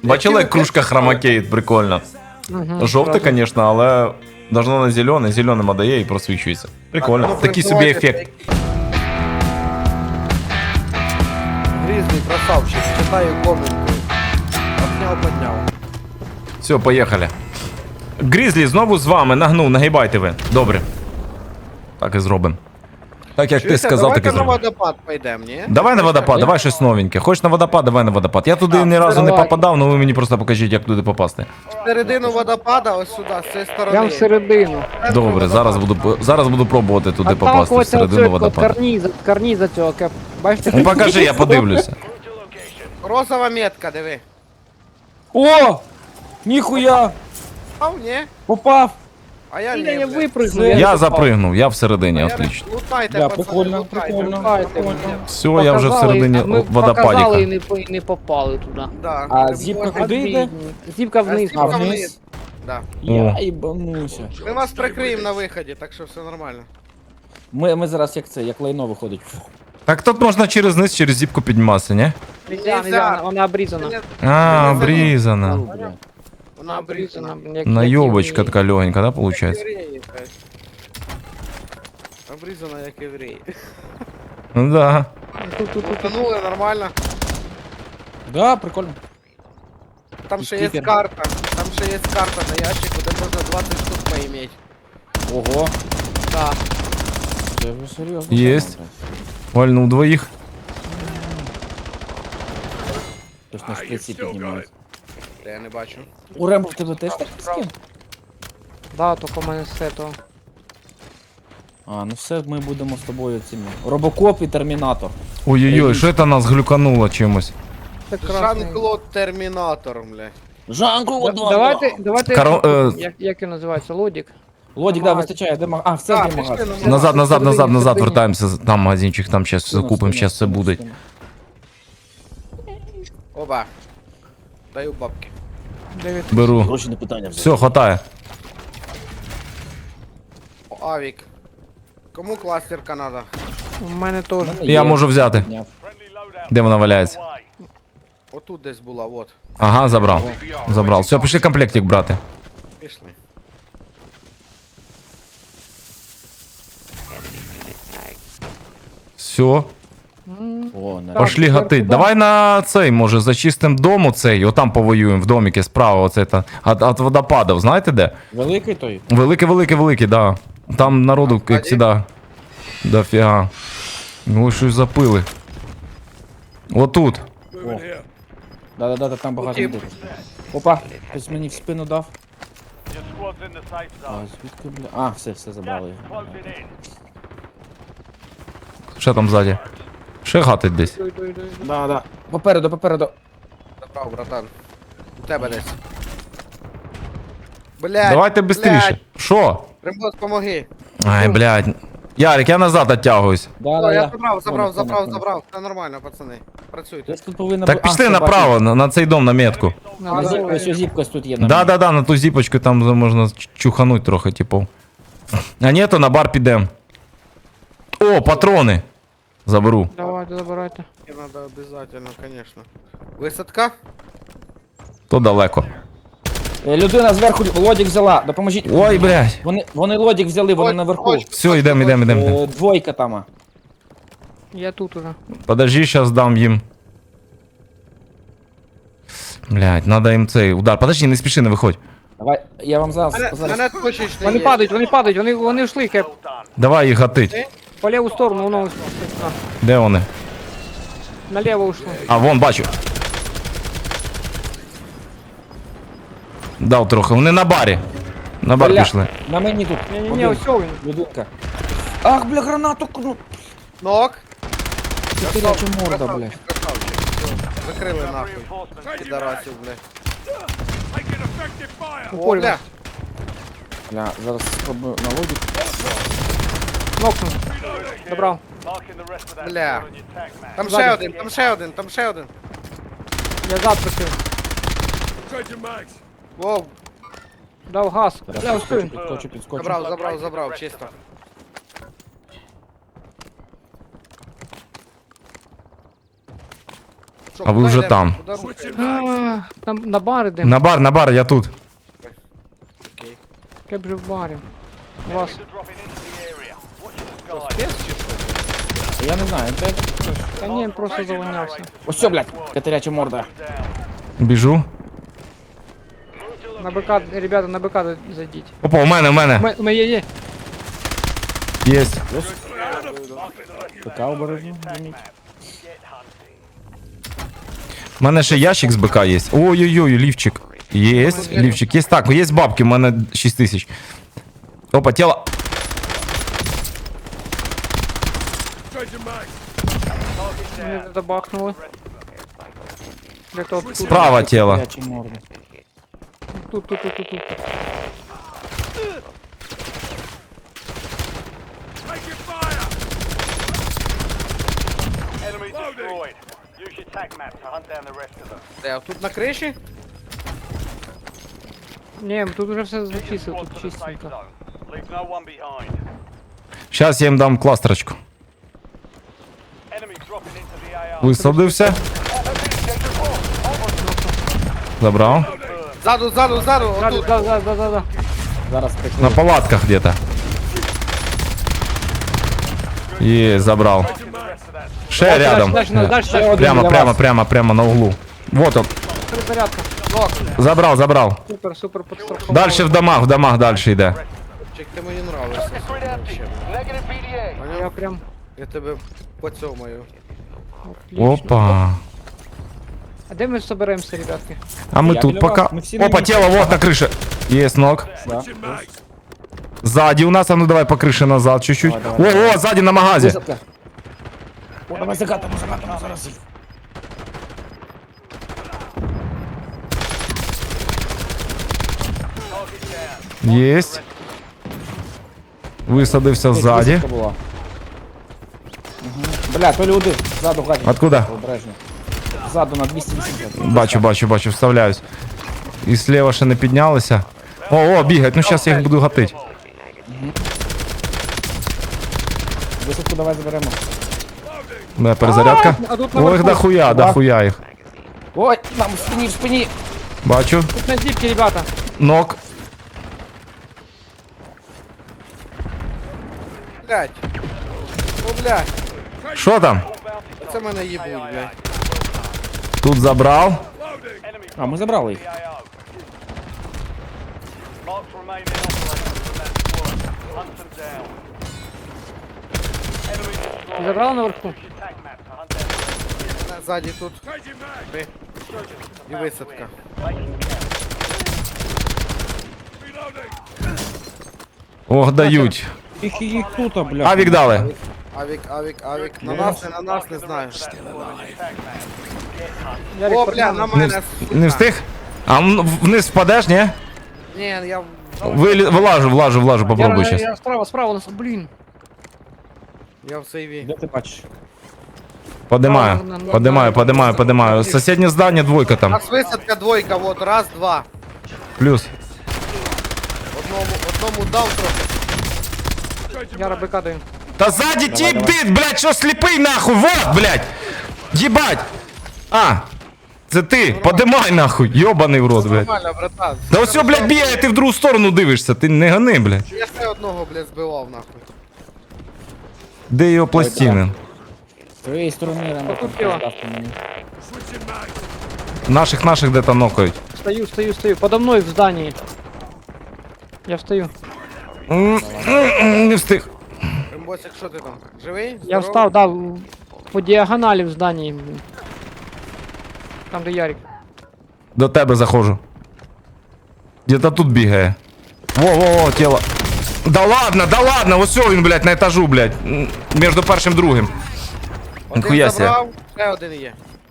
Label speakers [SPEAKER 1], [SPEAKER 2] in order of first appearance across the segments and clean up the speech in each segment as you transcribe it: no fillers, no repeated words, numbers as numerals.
[SPEAKER 1] Бачили, як кружка хромакеїть, прикольно. Жовте, звісно, але должно на зелене, зеленим отдає і просвічується. Прикольно.
[SPEAKER 2] Ну,
[SPEAKER 1] Такий собі ефект.
[SPEAKER 2] Грізний красавчик, читаю коменти. Обняв, подняв.
[SPEAKER 1] Все, поїхали. Грізлі знову з вами, нагнув, нагибайте ви. Добре. Так і зробимо. Так як ти
[SPEAKER 2] Чуєте,
[SPEAKER 1] сказав, так і
[SPEAKER 2] давайте на
[SPEAKER 1] зробимо.
[SPEAKER 2] водопад пойдемо, ні?
[SPEAKER 1] Давай на водопад, давай щось новеньке. Хочеш на водопад, давай на водопад. Я туди ні разу не
[SPEAKER 3] давай.
[SPEAKER 1] попадав, але ви мені просто покажіть, як туди попасти.
[SPEAKER 2] Середину водопада, ось сюди, з цієї сторони.
[SPEAKER 3] Прям всередину.
[SPEAKER 1] Добре, зараз буду пробувати туди попасти
[SPEAKER 3] Отталкиваться
[SPEAKER 1] всередину
[SPEAKER 3] от
[SPEAKER 1] водопаду.
[SPEAKER 3] карніза цього, бачите?
[SPEAKER 1] Ну покажи, я подивлюся.
[SPEAKER 2] Розова метка, диви.
[SPEAKER 4] О! Ніхуя!
[SPEAKER 2] Ау, ні?
[SPEAKER 4] Попав!
[SPEAKER 2] А я
[SPEAKER 3] Я
[SPEAKER 2] не,
[SPEAKER 3] не
[SPEAKER 2] блядь.
[SPEAKER 3] випрыгну.
[SPEAKER 1] Я запригнув, я всередині,
[SPEAKER 2] Я
[SPEAKER 1] отлично.
[SPEAKER 2] Лутайте,
[SPEAKER 4] Да,
[SPEAKER 2] пацани,
[SPEAKER 4] прикольно,
[SPEAKER 2] лутайте,
[SPEAKER 4] прикольно.
[SPEAKER 2] лутайте
[SPEAKER 4] прикольно.
[SPEAKER 2] мене.
[SPEAKER 1] Все, я вже всередині
[SPEAKER 3] Ми показали
[SPEAKER 1] водопадіка.
[SPEAKER 3] і не попали туди.
[SPEAKER 2] Да.
[SPEAKER 4] А
[SPEAKER 2] Ти
[SPEAKER 4] зіпка
[SPEAKER 2] можеш-
[SPEAKER 4] куди йде?
[SPEAKER 3] Зіпка вниз.
[SPEAKER 2] А,
[SPEAKER 4] А
[SPEAKER 2] зіпка
[SPEAKER 4] вниз?
[SPEAKER 2] Да.
[SPEAKER 4] Я їбануся.
[SPEAKER 2] Ми вас прикриємо на виході, так що все нормально.
[SPEAKER 4] Ми зараз як це, як лайно виходить.
[SPEAKER 1] Так тут можна через низ, через зіпку підніматися, ні?
[SPEAKER 3] Нельзя, вона обрізана.
[SPEAKER 1] А, обрізана.
[SPEAKER 4] Ну, бля.
[SPEAKER 2] Вона обрізана.
[SPEAKER 1] Наёбочка така легенька, да, получается?
[SPEAKER 2] Євреї, блядь. Обрізана як євреї.
[SPEAKER 1] Ну да.
[SPEAKER 2] Утонули нормально.
[SPEAKER 4] Да, прикольно.
[SPEAKER 2] Там ще є
[SPEAKER 4] Стикер.
[SPEAKER 2] карта. Там ще є карта на ящику, де можна 20 штук поиметь.
[SPEAKER 4] Ого.
[SPEAKER 2] Да.
[SPEAKER 4] Це вже серйозно.
[SPEAKER 1] Єсть. Вальнув двоїх.
[SPEAKER 4] Тож на шприці піднімають.
[SPEAKER 2] Я не бачу.
[SPEAKER 4] У Рембо в тебе теж так скін?
[SPEAKER 3] Да, тільки в мене все то.
[SPEAKER 4] А, ну все, ми будемо з тобою цими. Робокоп і Термінатор.
[SPEAKER 1] Ой-ой-ой, що це нас глюкануло чимось?
[SPEAKER 3] Це красний.
[SPEAKER 2] Жан-Клод Термінатор, бля.
[SPEAKER 4] Жанку,
[SPEAKER 3] Давайте, як він називається, лодік?
[SPEAKER 4] Лодік, да, вистачає, де А, в центрі
[SPEAKER 2] пішли
[SPEAKER 4] магазин.
[SPEAKER 2] на
[SPEAKER 1] Назад, назад, назад, назад
[SPEAKER 3] Всередині.
[SPEAKER 1] вертаємося. Там магазинчик, там зараз закупимо, зараз все буде.
[SPEAKER 2] Оба. Даю бабки.
[SPEAKER 1] Беру.
[SPEAKER 4] Гроші не питання вже.
[SPEAKER 1] Все, хватає.
[SPEAKER 2] О, Авік. Кому кластерка надо?
[SPEAKER 3] У мене теж.
[SPEAKER 1] Я можу взяти. Де вона валяється?
[SPEAKER 2] Отут десь була, вот.
[SPEAKER 1] Ага, забрав. Забрав. Все, пішли комплектик брати.
[SPEAKER 2] Пішли.
[SPEAKER 1] Все,
[SPEAKER 4] О, на...
[SPEAKER 1] пошли гатить. Давай на цей, може, зачистим дом оцей, отам повоюємо в доміки справа, оце та. От водопадів, знаєте де?
[SPEAKER 4] Великий той?
[SPEAKER 1] Великий, да. Там народу, як завжди, дофіга. Ну, щось запили. Отут.
[SPEAKER 4] Да, там багато
[SPEAKER 2] Утіп.
[SPEAKER 4] людей. Опа, хтось мені в спину дав. А, звідки, бля? А, все забрали.
[SPEAKER 1] Ще там ззаді. Ще гатить десь.
[SPEAKER 4] Да. Попереду.
[SPEAKER 2] Забрав, братан. У тебе десь. Блядь.
[SPEAKER 1] Давайте швидше. Що?
[SPEAKER 2] Рембос, помоги.
[SPEAKER 1] Ай, блядь. Ярик, я назад оттягуюсь.
[SPEAKER 2] О, я
[SPEAKER 4] Да.
[SPEAKER 2] забрав. Все нормально, пацани. Працюйте.
[SPEAKER 4] Десь тут повинна
[SPEAKER 1] Так пішли направо, на цей дом, на метку.
[SPEAKER 4] Ось зіпкась тут є.
[SPEAKER 1] Да, на ту зіпочку там можна чухануть трохи, типу. А ні, то на бар підем. О, патрони. Заберу.
[SPEAKER 3] Давайте, забирайте.
[SPEAKER 2] Мне надо обязательно, конечно. Висадка?
[SPEAKER 1] То далеко.
[SPEAKER 4] Людина зверху лодік взяла, допоможіть.
[SPEAKER 1] Ой, блядь.
[SPEAKER 4] Вони лодік взяли, вони наверху.
[SPEAKER 1] Все, йдемо.
[SPEAKER 4] Двойка там.
[SPEAKER 3] Я тут уже.
[SPEAKER 1] Подожди, сейчас дам їм. Блядь, надо їм цей удар. Подожди, не спіши, не виходь.
[SPEAKER 4] Давай, я вам зараз.
[SPEAKER 2] Мене точечно
[SPEAKER 3] Вони
[SPEAKER 2] є.
[SPEAKER 3] падають, вони йшли, кеп.
[SPEAKER 1] Давай їх гатить.
[SPEAKER 3] По ліву сторону, воно
[SPEAKER 1] Де вони?
[SPEAKER 3] наліво ушло.
[SPEAKER 1] А, вон, бачу. Дав трохи. Вони на барі. На бар
[SPEAKER 4] Бля,
[SPEAKER 1] пішли.
[SPEAKER 4] На мені тут.
[SPEAKER 3] Ні, ось він.
[SPEAKER 4] Людинка. Ах, бля, гранату.
[SPEAKER 2] Нок.
[SPEAKER 4] Це киряча морда, бля.
[SPEAKER 2] Красавчик. Все, закрили нахуй. Підарасів, бля. О, бля.
[SPEAKER 4] Бля, зараз спробую на лодік.
[SPEAKER 3] Нокнув. Добрав.
[SPEAKER 2] Бля. Там ще один.
[SPEAKER 3] Я зад прикрив.
[SPEAKER 2] Воу.
[SPEAKER 3] Дав газ. Бля, ось він.
[SPEAKER 4] Підскочу.
[SPEAKER 2] Забрав, чисто. Що,
[SPEAKER 1] А ви
[SPEAKER 2] куди
[SPEAKER 1] вже
[SPEAKER 2] йдемо?
[SPEAKER 1] там.
[SPEAKER 2] Куди рухаємось?
[SPEAKER 3] На бар йдемо.
[SPEAKER 1] На бар, я тут.
[SPEAKER 2] Окей.
[SPEAKER 3] Я б же в барі. У вас.
[SPEAKER 2] Спец чи що?
[SPEAKER 4] Я не знаю, де...
[SPEAKER 3] Та ні, просто завонявся.
[SPEAKER 4] Ось все, блядь, катеряча морда.
[SPEAKER 1] Біжу.
[SPEAKER 3] На БК, ребята, на БК зайдіть.
[SPEAKER 1] Опа, у мене.
[SPEAKER 3] У мене є.
[SPEAKER 1] Єсть.
[SPEAKER 4] Така обережно, заміть.
[SPEAKER 1] У мене ще ящик з БК є. Ой-ой-ой, лівчик. Єсть, лівчик. Є так, є бабки, у мене 6000. Опа, тіло.
[SPEAKER 3] Мене забахнули. Где-то тут.
[SPEAKER 1] Справа тіло.
[SPEAKER 4] Катеряча морда.
[SPEAKER 3] Тут.
[SPEAKER 5] Enemy destroyed. Use your tac map to hunt down the rest of them.
[SPEAKER 2] Де, тут на криші?
[SPEAKER 3] Ні, тут уже все
[SPEAKER 5] Your
[SPEAKER 3] зачистили,
[SPEAKER 5] squad
[SPEAKER 3] тут
[SPEAKER 5] to the safe
[SPEAKER 3] чистенько.
[SPEAKER 5] zone. Leave no one behind.
[SPEAKER 1] Зараз я їм дам кластерочку.
[SPEAKER 5] Enemy dropping into the AR.
[SPEAKER 1] Висадився. Забрав.
[SPEAKER 2] Ззаду, отут.
[SPEAKER 3] Да.
[SPEAKER 4] Зараз
[SPEAKER 1] На
[SPEAKER 4] прикрию.
[SPEAKER 1] палатках где-то. Є, забрав. Ще рядом.
[SPEAKER 3] Дальше.
[SPEAKER 1] Прямо на углу. Вот он.
[SPEAKER 3] Перезарядка.
[SPEAKER 1] Забрав.
[SPEAKER 3] Супер, подстраховал.
[SPEAKER 1] Дальше в домах дальше йде.
[SPEAKER 2] Чек, ти мені нравишся.
[SPEAKER 5] Negative PDA.
[SPEAKER 3] Я прям...
[SPEAKER 2] Я тебе поцьомаю.
[SPEAKER 3] Отлично.
[SPEAKER 1] Опа.
[SPEAKER 3] А де ми соберемося, ребятки?
[SPEAKER 1] А мы
[SPEAKER 4] Я
[SPEAKER 1] тут
[SPEAKER 4] біля
[SPEAKER 1] пока...
[SPEAKER 4] вас, ми всі на
[SPEAKER 1] Опа,
[SPEAKER 4] місці.
[SPEAKER 1] тело вот на крыше. Есть ног.
[SPEAKER 4] Да.
[SPEAKER 1] Сзади у нас, а ну давай по крыше назад чуть-чуть.
[SPEAKER 4] Давай.
[SPEAKER 1] О, сзади на магазе.
[SPEAKER 4] Висадка. О, давай закатимо зараз.
[SPEAKER 1] Есть. Висадився ззаді.
[SPEAKER 4] Висадка була. Мгм. Бля, то люди. Ззаду гадять.
[SPEAKER 1] Откуда?
[SPEAKER 4] Обережно. Ззаду на 280.
[SPEAKER 1] Бачу, вставляюсь. І слева ще не піднялися. О, бігають, ну зараз я їх буду гатити.
[SPEAKER 4] Висадку давай заберемо.
[SPEAKER 1] Моя перезарядка.
[SPEAKER 3] А тут на
[SPEAKER 1] Ой,
[SPEAKER 3] верху.
[SPEAKER 1] дохуя їх.
[SPEAKER 4] Ой, нам в спині.
[SPEAKER 1] Бачу.
[SPEAKER 3] Тут на зіпки, ребята.
[SPEAKER 1] Нок.
[SPEAKER 2] Блять. О, блять.
[SPEAKER 1] Що там?
[SPEAKER 2] Це мене їбуть, блять.
[SPEAKER 1] Тут забрав.
[SPEAKER 4] А, ми забрали їх.
[SPEAKER 5] Marks remaining operators from that squad. Hunt them down. Enemy destroyed.
[SPEAKER 3] Забрала наверху.
[SPEAKER 5] Use your tac map to hunt down the rest
[SPEAKER 2] Ззаді тут. Ти. І висадка.
[SPEAKER 1] Ох, дають.
[SPEAKER 4] Їх тут, бля.
[SPEAKER 1] Авік дали.
[SPEAKER 2] Авік. На нас, не знаю.
[SPEAKER 3] Ярик,
[SPEAKER 2] О, бля,
[SPEAKER 3] пацан.
[SPEAKER 2] на
[SPEAKER 1] Не,
[SPEAKER 2] мене.
[SPEAKER 1] не встиг? А вниз впадеш, ні?
[SPEAKER 2] Ні, я...
[SPEAKER 1] Влажу, попробуй
[SPEAKER 3] Я
[SPEAKER 1] сейчас.
[SPEAKER 3] справа, у нас, блін.
[SPEAKER 2] Я в сейві.
[SPEAKER 4] Де ти бачиш?
[SPEAKER 1] Поднимаю. Соседнее здание, двойка
[SPEAKER 2] У
[SPEAKER 1] там.
[SPEAKER 2] нас висадка двойка, вот, раз, два.
[SPEAKER 1] Плюс.
[SPEAKER 2] Одному дав трохи.
[SPEAKER 3] Яра БК даю.
[SPEAKER 1] Да сзади тип дит, блядь, что слепый нахуй, вот, блядь. Ебать. А, це ти, подимай нахуй, ёбаний в рот, блядь.
[SPEAKER 2] Нормально, братан.
[SPEAKER 1] Да все, блядь, бігає, ти в другу сторону дивишся, ти не гони, блядь.
[SPEAKER 2] Я ще одного, блядь, збивав, нахуй.
[SPEAKER 1] Де його пластини?
[SPEAKER 4] З твоєї сторони нам
[SPEAKER 3] Отут тіло.
[SPEAKER 4] мені.
[SPEAKER 1] Наших де-то нокають.
[SPEAKER 3] Стою. Подо мной в здании. Я встаю.
[SPEAKER 1] Не встиг.
[SPEAKER 2] Римбосик, що ти там? Живий?
[SPEAKER 3] Я
[SPEAKER 2] Здоровий?
[SPEAKER 3] встал, да, по диагонали в здании. Блин. Там, де Ярик.
[SPEAKER 1] До тебе заходжу. Где-то тут бігає. Во, тіло. Да ладно, ось він, блядь, на етажу, блядь. Між першим і другим.
[SPEAKER 2] Один
[SPEAKER 1] Ніхуя себе.
[SPEAKER 2] забрав, ще один є.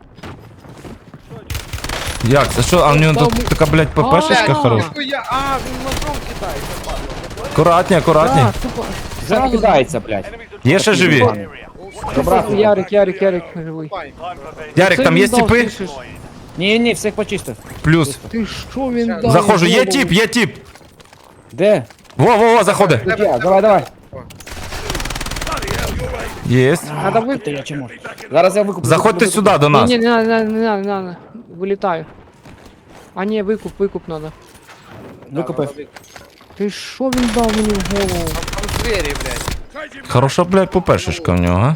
[SPEAKER 1] Як це? Що? А в нього тут така, блядь, ППшечка
[SPEAKER 3] Блядь,
[SPEAKER 1] хороша.
[SPEAKER 2] Ніхуя, він ножом кидається, падло.
[SPEAKER 1] Акуратні.
[SPEAKER 3] Да, тупо.
[SPEAKER 4] Вже кидається, блядь.
[SPEAKER 1] Є ще живі?
[SPEAKER 4] Добра.
[SPEAKER 3] Ярик живий.
[SPEAKER 2] Пай.
[SPEAKER 1] Ярик, там є типи?
[SPEAKER 4] Ні, всіх почистив.
[SPEAKER 1] Плюс.
[SPEAKER 3] Ти що він дав?
[SPEAKER 1] Заходжу, є тип.
[SPEAKER 4] Де?
[SPEAKER 1] Во, заходи.
[SPEAKER 4] Тут я, давай.
[SPEAKER 1] Єсть.
[SPEAKER 3] Надо ви...
[SPEAKER 4] Ти я чи можу? Зараз я викуплю.
[SPEAKER 1] Заходьте
[SPEAKER 4] викуплю,
[SPEAKER 1] сюди до нас.
[SPEAKER 3] Не, не надо. Вилітаю. А ні, викуп надо.
[SPEAKER 4] Викупив.
[SPEAKER 3] Ти що він дав мені в голову?
[SPEAKER 2] Там звері, блядь.
[SPEAKER 1] Хороша, блядь, попешечка в нього, а?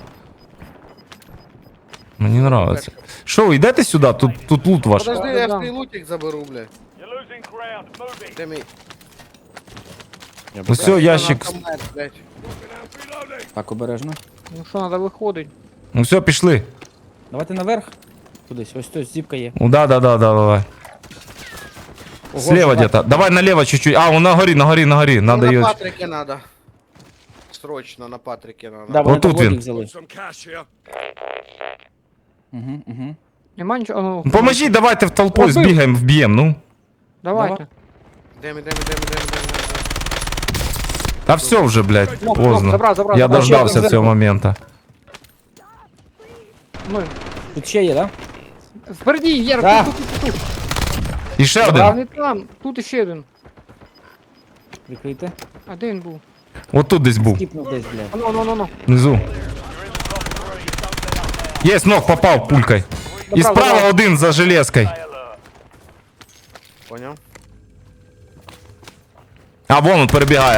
[SPEAKER 1] Мені нравиться. Що, ви йдете сюди? Тут лут ваш.
[SPEAKER 2] Подожди,
[SPEAKER 3] Да,
[SPEAKER 2] я
[SPEAKER 3] да.
[SPEAKER 2] ж твій лутик заберу, блядь.
[SPEAKER 5] You're losing ground. Moving.
[SPEAKER 2] Де мій?
[SPEAKER 1] Ось ящик.
[SPEAKER 2] Автомат, блядь.
[SPEAKER 4] Так, обережно.
[SPEAKER 3] Ну що, надо виходить.
[SPEAKER 1] Ну все, пішли.
[SPEAKER 4] Давайте наверх. Кудись, ось тут зіпка є.
[SPEAKER 1] Ну да, давай.
[SPEAKER 4] Ого,
[SPEAKER 1] Слева
[SPEAKER 4] чувак.
[SPEAKER 1] где-то. Давай налево чуть-чуть. А, он на горі. Надо
[SPEAKER 2] На
[SPEAKER 1] ее.
[SPEAKER 2] Патрике надо. Срочно на Патрике надо.
[SPEAKER 4] Да, вони
[SPEAKER 1] Отут
[SPEAKER 4] там лодік
[SPEAKER 1] він.
[SPEAKER 4] взяли. Угу.
[SPEAKER 3] Нема нічого. А ну,
[SPEAKER 1] Поможіть, давайте в толпу
[SPEAKER 3] Побив.
[SPEAKER 1] збігаємо, вб'ємо, ну.
[SPEAKER 3] давайте.
[SPEAKER 2] Йдемо.
[SPEAKER 1] Та все вже, блядь, поздно.
[SPEAKER 3] забрав,
[SPEAKER 1] Я
[SPEAKER 3] забрав.
[SPEAKER 1] дождався
[SPEAKER 4] Ще
[SPEAKER 1] цього моменту.
[SPEAKER 3] Ми.
[SPEAKER 4] Тут ще є, да?
[SPEAKER 3] Впереді, Єр,
[SPEAKER 4] Да.
[SPEAKER 3] тут.
[SPEAKER 1] І ще
[SPEAKER 3] А
[SPEAKER 1] один.
[SPEAKER 3] не там, тут іще один.
[SPEAKER 4] Прикрийте.
[SPEAKER 3] А де він був?
[SPEAKER 1] Отут десь був.
[SPEAKER 4] Кіпнув десь, блядь.
[SPEAKER 3] А ну.
[SPEAKER 1] Внизу. Єсть, ног попав пулькой. І
[SPEAKER 3] Добра,
[SPEAKER 1] справа
[SPEAKER 3] добра.
[SPEAKER 1] один за железкою.
[SPEAKER 2] Понял?
[SPEAKER 1] А вон він перебігає.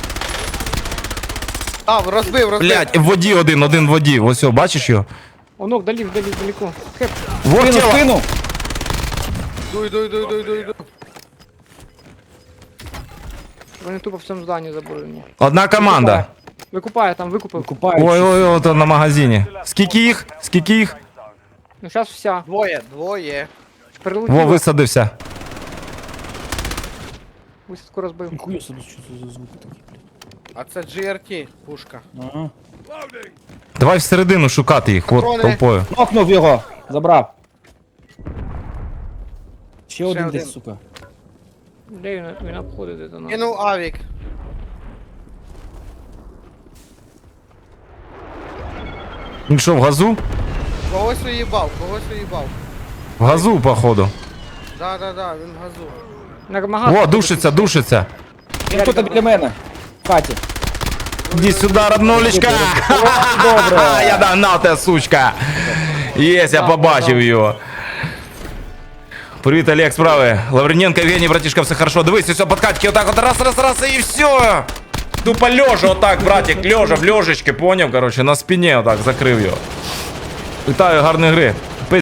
[SPEAKER 2] А, розбив.
[SPEAKER 1] Блядь, в воді один в воді. Ось, о, бачиш його?
[SPEAKER 3] Онок, далеко. Хеп.
[SPEAKER 1] Вот
[SPEAKER 4] Спину,
[SPEAKER 1] тіло.
[SPEAKER 4] спину!
[SPEAKER 2] Дуй.
[SPEAKER 3] Вони тупо в цьому зданні заборонені.
[SPEAKER 1] Одна команда.
[SPEAKER 3] Викупає там, викупив.
[SPEAKER 4] Купають.
[SPEAKER 1] Ой, от на магазині. Скільки їх?
[SPEAKER 3] Ну зараз вся.
[SPEAKER 2] Двоє.
[SPEAKER 3] Перелетіло.
[SPEAKER 1] Во, висадився.
[SPEAKER 3] Висадку розбив.
[SPEAKER 4] Ніхуя собі, що це за звуки такі, блядь.
[SPEAKER 2] А це GRT, пушка.
[SPEAKER 4] Ага.
[SPEAKER 1] Давай всередину шукати їх, от
[SPEAKER 2] Патрони.
[SPEAKER 1] толпою.
[SPEAKER 4] Нокнув його! Забрав. Ще один
[SPEAKER 2] один.
[SPEAKER 4] десь, сука.
[SPEAKER 3] Де він обходить це нас?
[SPEAKER 2] Кинув авік.
[SPEAKER 1] Він що, в газу?
[SPEAKER 2] Когось уїбав.
[SPEAKER 1] В газу, походу.
[SPEAKER 2] Да, він в газу.
[SPEAKER 3] На магаз.
[SPEAKER 1] О, душиться.
[SPEAKER 4] Він тут біля мене. В хаті.
[SPEAKER 1] Иди сюда, роднулечка.
[SPEAKER 4] Добре.
[SPEAKER 1] Я догнав тебе, сучка. Єсть, я побачив його. Привіт, Олег, справи. Лавриненко, Евгений, братишка, все хорошо. Дивись, все, подкатки, отак от раз, і все. Тупо лежа, отак, братик, лежа, в лежечки, поняв, короче, на спині отак, закрив його. Вітаю, гарної гри.